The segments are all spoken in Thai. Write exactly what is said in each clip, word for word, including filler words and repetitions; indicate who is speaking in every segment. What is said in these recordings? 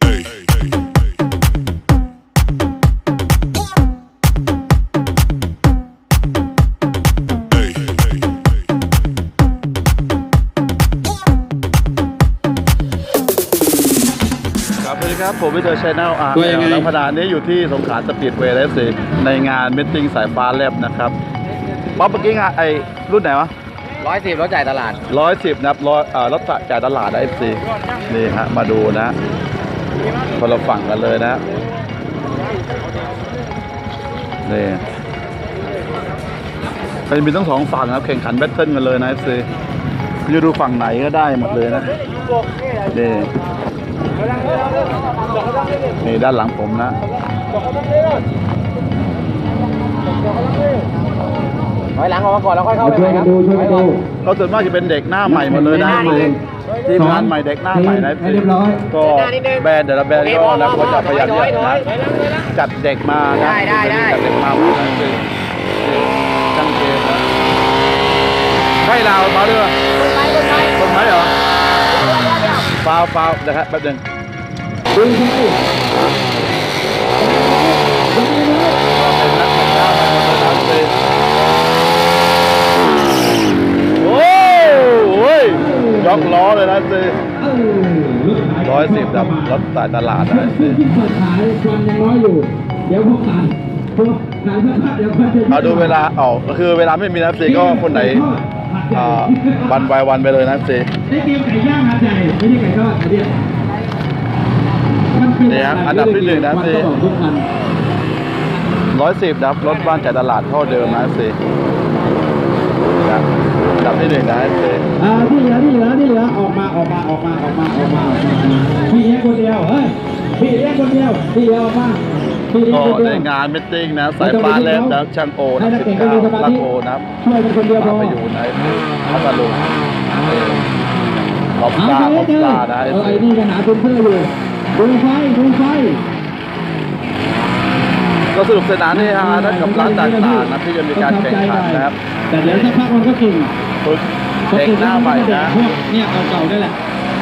Speaker 1: ครับผมวิเตอร์ชแนลอาร์แล้วขณะนี้อยู่ที่สงขลาสปีดเวย์แล้วสิในงานมิทติ้งสายฟ้าแลบนะครับป๊อปเมื่อกี้งานไอรุ่นไหนวะ
Speaker 2: ร้อยสิบรถจ่ายตลาด
Speaker 1: ร้อยสิบนะครับร้อยเอ่อรถจ่ายตลาดเอฟซีนี่ฮะมาดูนะคนละฝั่งกันเลยนะนี่มันมีทั้งสองฝั่งครับแข่งขันแบทเทิลกันเลยนะเอฟซีจะดูฝั่งไหนก็ได้หมดเลยนะนี่นี่ด้านหลังผมนะ
Speaker 2: ถอยหลังออกมาก่อนแล้วค่อยเข้าไปใหม่ครับ
Speaker 1: เขาส่วนมากจะเป็นเด็กหน้าใหม่หมดเลยนะทีมงานใหม่เด็กหน้าใหม่นะก็แบรนด์แต่ละแบรนด์ก็แล้วก็จะพยายามนะจัดเด็กมานะจัดเด็กมานะช่างเกมนะใช่เรามาด้วยคนไม้คนไม้คนไม้เหรอฟาวฟาวนะครับแป๊บนึงเป็นนักแข่งหน้ามาหมดเลยโอ้ยยกล้อเลยนะสิร้อยสิบครับรถสายตลาดนะสิ
Speaker 3: ที่เปิดขายความยังน้อยอยู่เดี๋ยวพวกขายพวกขายเพื่อเดี๋ยวเพื่อ
Speaker 1: เอาดูเวลาออกก็คือเวลาไม่มีนะสิก็คนไหนวันไปวันไปเลยนะสิ
Speaker 3: ได้เตรียมไก่ย่างหาดใหญ่ไม่ใช่ไก่ทอดเนี่ย
Speaker 1: นี่ครับอันดับที่หนึ่งนะสิร้อยสิบครับรถบ้านจ่ายตลาดเท่าเดิมนะสิอันดับที่หนึ่งนะสิ
Speaker 3: อ่าที่เหลือที่เหลือที่เหลือออกมาออกมาออกมาออกมาออกมาพี่เลี้ยงคนเดียวเฮ้ยพี่เลี้ยงคนเดียวที่เหลือออกมา
Speaker 1: ก็ในงานมิทติ้งนะสายฟ้าแลบนะช่างโอนะสิบเก้าลักโอนะ
Speaker 3: ช่วยเป็นคนเดียวพอ
Speaker 1: ไปอยู่ในพัทลุงขอบตาขอบตานะ
Speaker 3: ไอ้นี่กันหาเพื่อนเพื่อนอยู่ดูไฟดูไฟ
Speaker 1: ก็สนุกสนานนี่ฮะนะกับร้านต่างๆนะที่จะมีการแข่งขันนะครับ
Speaker 3: แต่เดี๋ยวสักพักมันก็กิ่ง
Speaker 1: ฝึกเด็กหน้าใหม่นะ
Speaker 3: พวกเนี่ยเก่าๆได้แหละ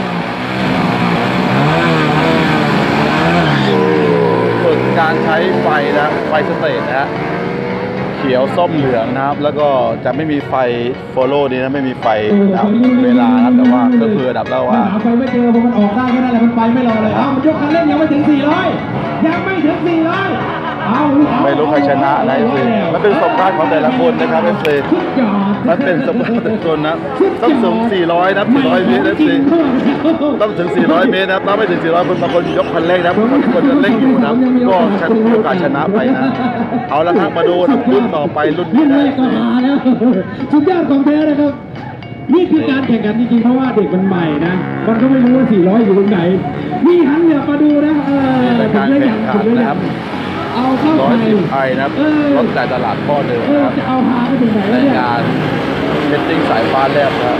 Speaker 1: ฝึกการใช้ไฟนะไฟสเตทนะฮะเขียวส้มเหลืองนะครับแล้วก็จะไม่มีไฟโฟโล่นี้นะไม่มีไฟดับเวลาครับแต่ว่าก็คือดับแล้วว่า
Speaker 3: ไฟไม่เจอพอมันออกได้แค่นั้นแหละมันไปไม่รอเลยอ้าวมันยกคันเร่งยังไม่ถึงสี่ร้อยยังไม่ถึงสี่ร้อย
Speaker 1: ไม่รู้ใครชนะอะไรสิมันเป็นสมบัติของแต่ละคนนะครับเอฟซีมันเป็นสมบัติแต่ละคนนะต้องถึงสี่ร้อยนะสี่ร้อยเมตรเอฟซีต้องถึงสี่ร้อยเมตรนะถ้าไม่ถึงสี่ร้อยคนบางคนยกคันเร่งนะบางคนจะเร่งอยู่นะก็ชนะโอกาสชนะไปนะเอาละครับมาดูรุ่นต่อไปรุ่นนี้นะ
Speaker 3: ก็มาแล้วสุดยอดของแท้นะครับนี่คือการแข่งขันจริงๆเพราะว่าเด็กมันใหม่นะมันก็ไม่รู้ว่าสี่ร้อยอยู่ตรงไหนนี่หันเหลือมาดูนะเออ
Speaker 1: การแข่งขันนะครับ
Speaker 3: เอาเข้า
Speaker 1: ร้อยสิบไอนะครับรถจ่ายตลาดพ่อเดิมนะครับ
Speaker 3: จะเอาพาไปถึงไหน
Speaker 1: ในงานมิทติ้งสายฟ้าแลบนะครับ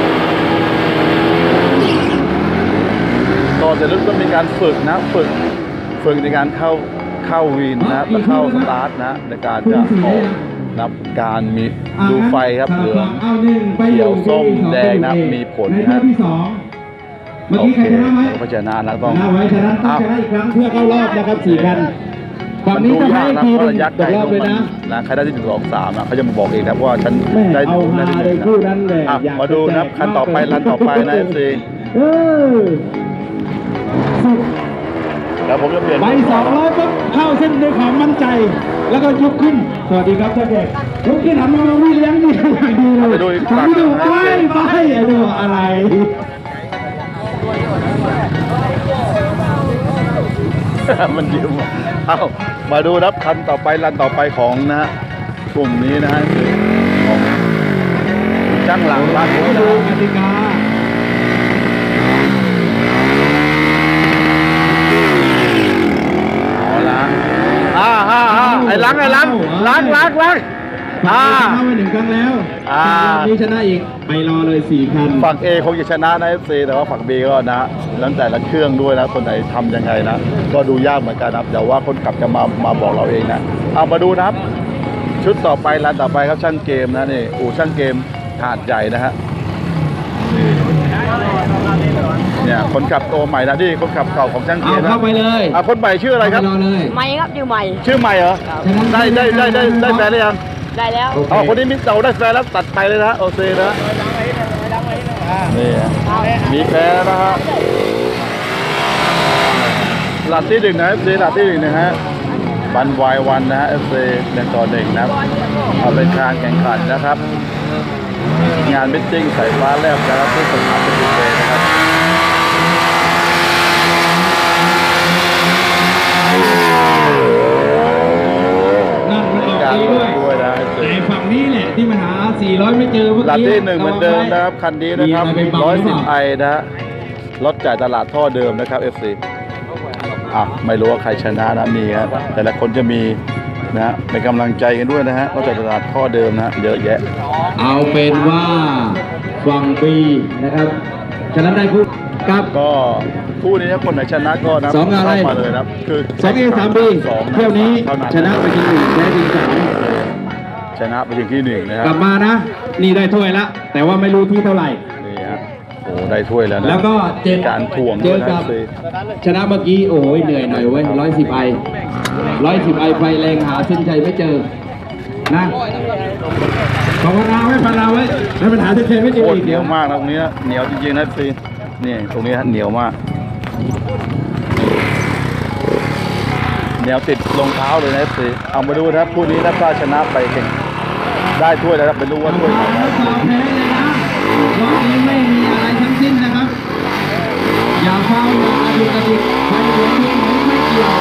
Speaker 1: ต่อจากนั้นก็มีการฝึกนะฝึกฝึกในการเข้าเข้าวีนนะและเข้าสตาร์ทนะในการจะออกนับการมีดูไฟครับเหลืองเขียวส้มแดงนะมีผลนะโอเคเพราะฉะนั้นเราต้อง
Speaker 3: ชนะไว้ชนะต้องชนะอีกครั้งเพื่อเข้ารอบนะครับสี่คันฝั่งนี้จะให้ทีมตกรอบเลยนะ
Speaker 1: นะใครได้ที่หนึ่งสองสามนะเขาจะมาบอกเองครับว่าฉันได้
Speaker 3: เอาหาเลยคู่นั้นเลย
Speaker 1: มาดูนะคันต่อไปรันต่อไปนะเอฟซีแล้วผมจะเปลี่ยน
Speaker 3: ไปสองร้อยปุ๊บเข้าเส้นด้วยความมั่นใจแล้วก็ยกขึ้นสวัสดีครับเจ้าเด็กยกขึ้นหันมาวิ่งเลี้ยงนี่อย่างดีเลย
Speaker 1: ไปดูไป
Speaker 3: ดูไปไปดูอะไร
Speaker 1: มันยืมเอามาดูนับคันต่อไปรันต่อไปของนะฮะกลุ่มนี้นะฮะคือของช่างหลังร้านนี้นะกติกาเอาละอ่าฮ่าฮ่าไอ้ล้างไอ้ล้างล้างล้างล้าง
Speaker 3: อ่าชนะไปหนึ่งครั้งแล้วอ่านี้ชนะอีกไปรอเลยสี่คัน
Speaker 1: ฝั่ง A คงจะชนะนะ เอฟ ซี แต่ว่าฝั่ง B ก็นะแล้วแต่ละเครื่องด้วยนะคนไหนทำยังไงนะก็ดูยากเหมือนกันนะแต่ว่าคนขับจะมามาบอกเราเองนะเอามาดูนะครับชุดต่อไปร้านต่อไปครับช่างเกมนะนี่อู่ช่างเกมหาดใหญ่นะฮะนี่เนี่ยคนขับตัวใหม่นะนี่คนขับเก่าของช่างเกี
Speaker 3: เอา
Speaker 1: ยร์นะ
Speaker 3: เข้าไปเลย
Speaker 1: อ่ะคนใหม่ชื่ออะไรครับ
Speaker 3: เาปรอเลย
Speaker 4: ไม่ครับชื่อใหม่
Speaker 1: ชื่อใหม่เหรอได้ได้ได้ได้ได้แฟนหรือยัง
Speaker 4: ได้แล้ว
Speaker 3: โอเค
Speaker 1: อ๋อคนนี้มิสเตอร์ได้แฟนแล้วตัดไปเลยนะโอเคนะนี่ฮะมีแฟนแล้วนะฮะหลัดที่หนึ่งนะเอฟซีหลัดที่หนึ่งนะฮะบันวายวันนะฮะเอฟซีหนึ่งต่อหนึ่งนะครับเอาเป็นการแข่งขันนะครับ งานมิทติ้งสายฟ้าแลบนะครับที่สนามเป็นดินเดย์นะครับ
Speaker 3: นั่นมันออก
Speaker 1: การ
Speaker 3: ดี
Speaker 1: ล
Speaker 3: ด้วย
Speaker 1: งด้วยนะเอฟซี
Speaker 3: แต่ฝั่งนี้แหละที่มันหาสี่ร้อยไม่เจอเมื่อ
Speaker 1: หลัด
Speaker 3: กี้
Speaker 1: ที่หนึ่งเหมือนเดิมนะครับคันนี้นะครับ
Speaker 3: มีอะไรไปบัง
Speaker 1: ร้อย
Speaker 3: หรือเป
Speaker 1: สิบ
Speaker 3: ล่า
Speaker 1: ไอนะฮะรถจ่ายตลาดท่อเดิมนะครับ เอฟ ซี อ่ะไม่รู้ว่าใครชนะนะมีครับแต่ละคนจะมีนะฮะเป็นกำลังใจกันด้วยนะฮะรถจ่ายตลาดท่อเดิมนะฮะเยอะแยะ
Speaker 3: เอาเป็นว่าฝั่งบีนะครับฉะนั้นได้คู่กับ
Speaker 1: ก็คู่นี้นะคนไหนชนะก็นะ
Speaker 3: สองอะไร
Speaker 1: เข้ามาเลยนะครับคือ
Speaker 3: สองเอสามบี
Speaker 1: สอง
Speaker 3: เที่ยวนี้
Speaker 1: เท่านั้น
Speaker 3: ชนะไปทีหนึ่งแพ้ทีสาม
Speaker 1: ชนะไปถึงที่หนึ่งนะค
Speaker 3: ก
Speaker 1: รั
Speaker 3: ลั
Speaker 1: บบ
Speaker 3: มานะ นี่ได้ถ้วยละแต่ว่าไม่รู้ที่เท่าไหร่
Speaker 1: นี่ฮะโอ้ได้ถ้วยแล้วนะ
Speaker 3: แล้วก็เจ็ด
Speaker 1: การถ่วง
Speaker 3: เจ
Speaker 1: ด้วย
Speaker 3: อ
Speaker 1: นะ
Speaker 3: กับ
Speaker 1: สิ
Speaker 3: ชนะเมื่อกี้โอ้ยเหนื่อยหน่อยเว้ยร้อยสิบไอร้อยสิบไอไฟแรงหาเส้นชัยไม่เจอนะภาวนาไว้ภาวนาไว้ให้ปัญหาเส้นชัยไม่เจอ
Speaker 1: โคตร
Speaker 3: อีก
Speaker 1: เหนียวมากนะตรงนี้นะเหนียวจริงๆนะสินี่ตรงนี้ฮะเหนียวมากเหนียวติดรองเท้าเลยนะสิเอามาดูนะครับคู่นี้ถ้าชนะไปเก่งได้ถ้วยแล้วครับไม่รู้ว่าถ้วยไหนนะ
Speaker 3: สอบแพ้เลยนะรอบนี้ไม่มีอะไรทั้งสิ้นนะครับ อย่าเฝ้าอย่าอาดุกระดิกใครเหลือทีมไหนไม่เกี่ยว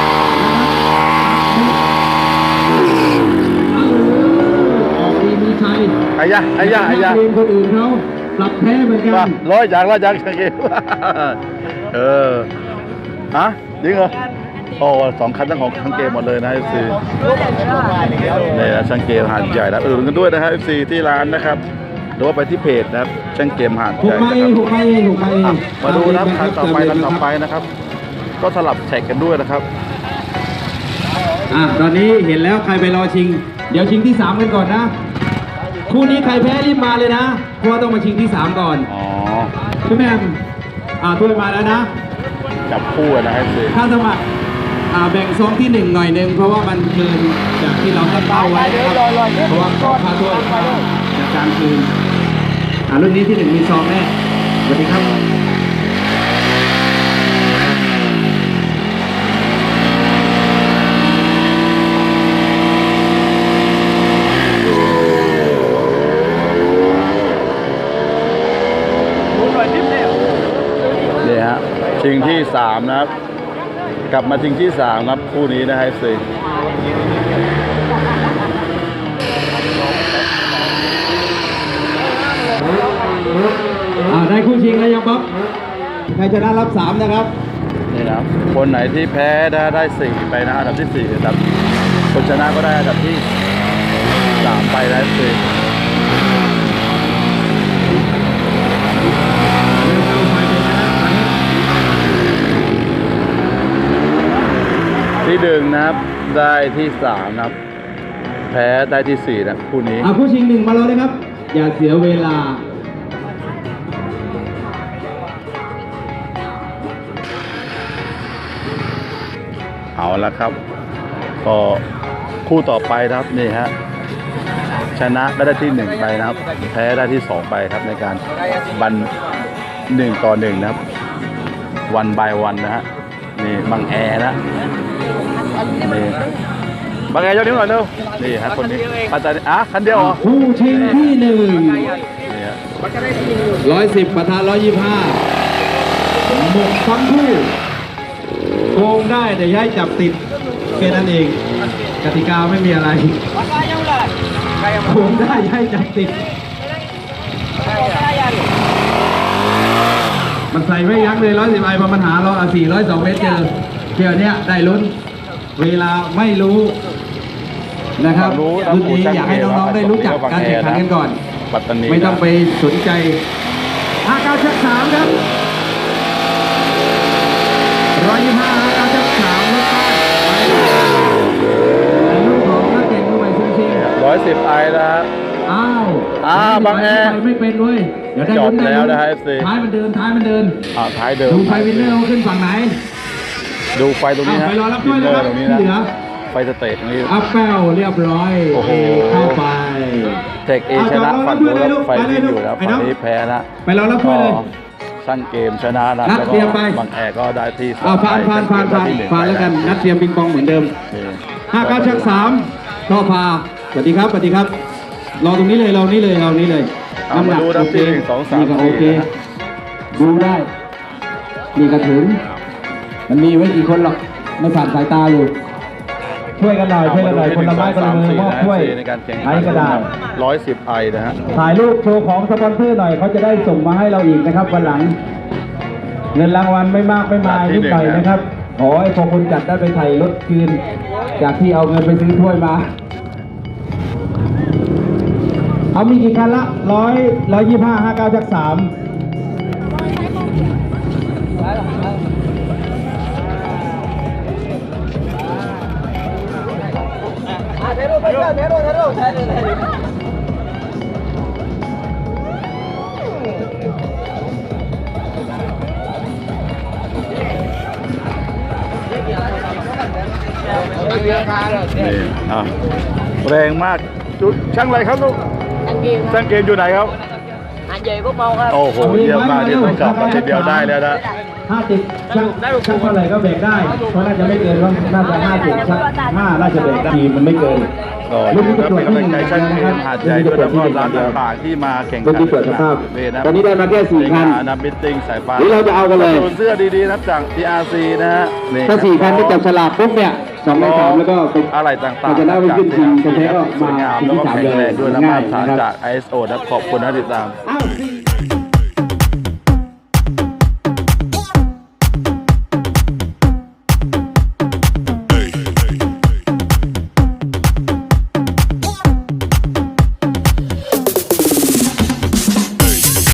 Speaker 3: นะครับออกดีมีชัย
Speaker 1: ไอ้ยะไอ้ยะไอ้ยะ
Speaker 3: ทีมคนอื่นเขาปรับแพ้เหมือนกั
Speaker 1: ว่าน ร้อยอย่างร้อยอย่างช่างเกม เออฮะจริงเหรอโอ้สองคันทั้งของช่างเกมหมดเลยนะเอฟซีนี่นะช่างเกมหาดใหญ่นะเออกันด้วยนะฮะเอฟซีที่ร้านนะครับหรือว่าไปที่เพจนะครับช่างเกมหาด
Speaker 3: ห
Speaker 1: ให
Speaker 3: ก
Speaker 1: ญ่
Speaker 3: มา
Speaker 1: นะ
Speaker 3: เอ
Speaker 1: ครั
Speaker 3: ง
Speaker 1: บ
Speaker 3: หกมาเองหกมาเอง
Speaker 1: อ่ะมาดูนะครับคันต่อไปคันต่อไปนะครับ ก็สลับแท็กกันด้วยนะครับ
Speaker 3: อ่ะตอนนี้เห็นแล้วใครไปรอชิง เดี๋ยวชิงที่สามกันก่อนนะ คู่นี้ใครแพ้รีบมาเลยนะ เพราะว่าต้องมาชิงที่สามก่อน
Speaker 1: อ๋อ
Speaker 3: พี่แม่มอ่าถ้วยมาแล้วนะ
Speaker 1: จับคู่นะเอฟซี
Speaker 3: ค่าสมัครอ่าแบ่งซองที่หนึ่งหน่อยหนึ่งเพราะว่ามันเกินจากที่เราตั้งเป้าไว้นะครับเพราะว่าขอค่าถ้วยค่าจากการคืนอ่ารุ่นนี้ที่หนึ่งมีซองแน่สวัสดีครับ
Speaker 1: นี่ฮะชิงที่สามนะครับ กลับมาชิงที่สามครับคู่นี้นะฮะเอฟซี
Speaker 3: อ่าได้คู่ชิงแล้วยังบ๊อบใครชนะรับสามนะครับ
Speaker 1: นี่นะครับคนไหนที่แพ้ได้ได้สี่ไปนะอันดับที่สี่นะครับคนชนะก็ได้อันดับที่สามไปนะเอฟซีที่หนึ่งนะครับได้ที่สามนะครับแพ้ได้ที่สี่นะคู่นี้
Speaker 3: อ่าคู่ชิงหนึ่งมาแล้วนะครับ อย่าเสียเวลา
Speaker 1: เอาละครับ ก็คู่ต่อไปนะครับนี่ฮะชนะก็ได้ที่หนึ่งไปนะครับ แพ้ได้ที่สองไปครับในการบันหนึ่งต่อหนึ่งนะครับวันบายวันนะฮะนี่บังแอร์นะนี่บังแอร์ยกนิ้วหน่อยเร็วนี่ฮะคนนี้ปัตตานีอ่ะคันเดียวเหรอ
Speaker 3: คู่ชิงที่หนึ่ง
Speaker 1: นี่ฮะ
Speaker 3: ร้อยสิบประธานร้อยยี่ห้าหมกทั้งคู่โกงได้แต่อย่าให้จับติดแค่นั้นเอง กติกาไม่มีอะไรโกงได้อย่าให้จับติด มันใส่ไม่ยั้งเลยร้อยสิบไอพอมันหาเราสี่ร้อยสองเมตรเจอเที่ยวเนี้ยได้ลุ้น เวลาไม่รู้นะครับ
Speaker 1: รู้นะ
Speaker 3: รุ่นนี้อยากให้น้องๆได้รู้จักการแข่งขันกันก่อน
Speaker 1: ปัตตานี
Speaker 3: ไม่ต้องไปสนใจห้าเก้าชักสามครับร้อยยี่ห้าห้าเก้าชักสามรถใต้ไปลูกของนักเก่งมือใหม่ซิงซิง
Speaker 1: ร้อยสิบไอนะฮะ
Speaker 3: อ้าว
Speaker 1: อ้าวบางแอ
Speaker 3: ไปไม่เป็นเว้ยเดี๋ยวได้
Speaker 1: จบ
Speaker 3: ลุ้นได้
Speaker 1: แล้ว
Speaker 3: ลุ้น
Speaker 1: นะฮะ เอฟ ซี
Speaker 3: ท้ายมันเดินท้ายมันเดิน
Speaker 1: อ่าท้ายเดิม
Speaker 3: ดูไฟวินเนอร์เขาขึ้นฝั่งไหน
Speaker 1: ดูไฟตรงนี้
Speaker 3: เอา
Speaker 1: ฮะ
Speaker 3: ไปรอรับด้วยนะครับ
Speaker 1: ตรงนี้
Speaker 3: ที่
Speaker 1: นะ
Speaker 3: เหลือ
Speaker 1: ไฟสเตทตรงนี้
Speaker 3: อัพแป้วเรียบร้อย
Speaker 1: โอ้โห
Speaker 3: เข้าไป
Speaker 1: เทคเอชนะฝั่งนู้นแล้วไฟวิ่งอยู่แล้วฝั่งนี้แพ้นะ
Speaker 3: ไปรอรับด้วยเลย
Speaker 1: ช่างเกมชนะนะ
Speaker 3: นัด
Speaker 1: แล้ว
Speaker 3: เตรียมไป
Speaker 1: ก็บางแอร์ก็ได้ที่สอง
Speaker 3: เอาผ่านผ่านผ่านผ่าน
Speaker 1: ได้ที่หนึ่ง
Speaker 3: ผ่านแล้วกัน
Speaker 1: ไป
Speaker 3: นัดเตรียมปิงปองเหมือนเดิม
Speaker 1: โอเค
Speaker 3: ห้าเก้าชักสามท่อพาสวัสดีครับสวัสดีครับ รอตรงนี้เลยรอนี้เลยรอนี้เลย
Speaker 1: เอามาดูนะที่หนึ่งสองสาม
Speaker 3: นี่ก็โอเค
Speaker 1: สี่นะ
Speaker 3: ดูได้ นี่ก็ถึง มันมีไว้กี่คนหรอก ไม่ผ่านสายตาอยู่ ช่วยกันหน่อยช่วยกันหน่อยคนละไม้คนละมือมอบช่วย
Speaker 1: ในการแข่ง
Speaker 3: ไอ้ก็ได้
Speaker 1: ร้อยสิบไอนะฮะ
Speaker 3: ถ่ายรูปโชว์ของสปอนเซอร์หน่อยเขาจะได้ส่งมาให้เราอีกนะครับวันหลัง เงินรางวัลไม่มากไม่มายนิดหน่อยนะครับ ขอให้พอคนจัดได้ไปไถ่รถคืน จากที่เอาเงินไปซื้อถ้วยมา เอามีกี่คันละร้อยร้อยยี่ห้าห้าเก้าจักสาม
Speaker 1: นี่อ่ะแรงมากจุดช่างอะไรครับลูก
Speaker 4: Anh Kiều
Speaker 1: ช่างเกมอยู่ไหนครับ
Speaker 4: anh về Cúc Mau không?
Speaker 1: โอ้โหเยี่ยมมากที่ต้องกลับมาทีเดียวได้แล้วนะ
Speaker 3: ห้าสิบช่างช่างเท่าไหร่ก็แบกได้ เพราะน่าจะไม่เกินว่าน่าจะห้าสิบช่างห้าน่าจะแบกได้ทีมมันไม่เกิน
Speaker 1: ก็อยู่ครับเป็นกำลังใจช่างเกมหาดใหญ่ด้วยแล้วก็ร้านต่างๆที่มาแข่งขัน
Speaker 3: เมื่อกี้เปิดสภาพ
Speaker 1: เวนะ
Speaker 3: ตอนนี้ได้มาแค่สี่คัน
Speaker 1: นับมิตติ้งสายฟ้า
Speaker 3: นี่เราจะเอากันเลย
Speaker 1: โดนเสื้อดีๆนะครับจาก ที อาร์ ซี นะฮะนี่
Speaker 3: ถ้าสี่คันที่จับฉลากปุ๊บเนี่ยสองในสามแล้วก็เป็น
Speaker 1: อะไรต่างๆ
Speaker 3: เราจะได้ไปขึ้นทีมจะแพ้ก็
Speaker 1: สวยงาม
Speaker 3: มา
Speaker 1: แล้วก็
Speaker 3: ทีมที่สาม
Speaker 1: แข็งแรงด้วยนะ
Speaker 3: ง่า
Speaker 1: มาย ตรฐาน
Speaker 3: นะครับ
Speaker 1: จาก ไอ เอส โอ นะขอบคุณนะติดตาม
Speaker 3: อ้าวสี่